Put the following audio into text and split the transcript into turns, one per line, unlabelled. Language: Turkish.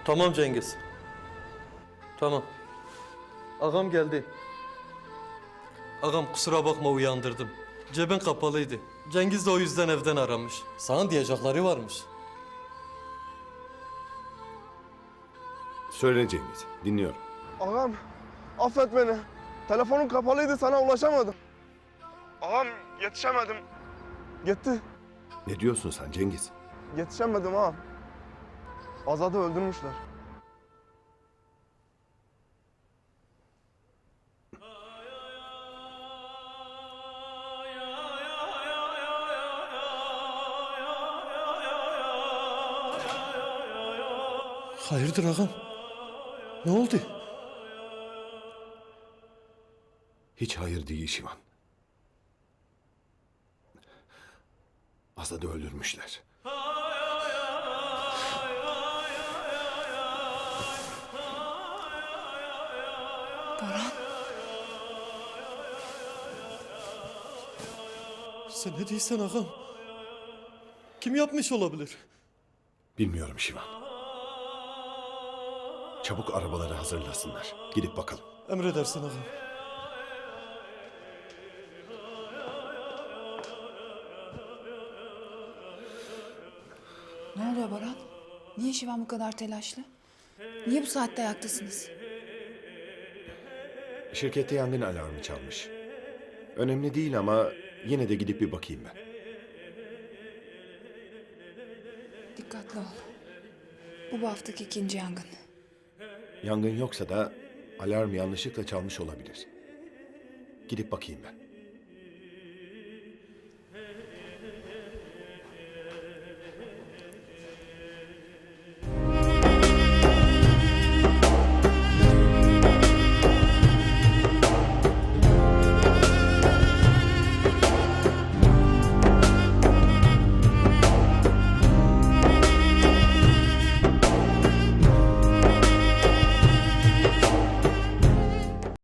Tamam Cengiz. Tamam. Ağam geldi. Ağam kusura bakma uyandırdım. Cebin kapalıydı. Cengiz de o yüzden evden aramış. Sana diyecekleri varmış.
Söyle Cengiz, dinliyorum.
Ağam, affet beni. Telefonum kapalıydı, sana ulaşamadım. Ağam, yetişemedim. Gitti.
Ne diyorsun sen Cengiz?
Yetişemedim ağam. Azad'ı öldürmüşler.
Hayırdır ağam? Ne oldu?
Hiç hayır değil Şivan. Azad'ı öldürmüşler.
Baran,
Sen ne diyorsun ağam? Kim yapmış olabilir?
Bilmiyorum Şivan. Çabuk arabaları hazırlasınlar. Gidip bakalım.
Emredersin ağam.
ne oluyor Baran? Niye Şivan bu kadar telaşlı? Niye bu saatte ayaktasınız?
Şirkette yangın alarmı çalmış. Önemli değil ama yine de gidip bir bakayım ben.
Dikkatli ol. Bu haftaki ikinci yangın.
Yangın yoksa da alarm yanlışlıkla çalmış olabilir. Gidip bakayım ben.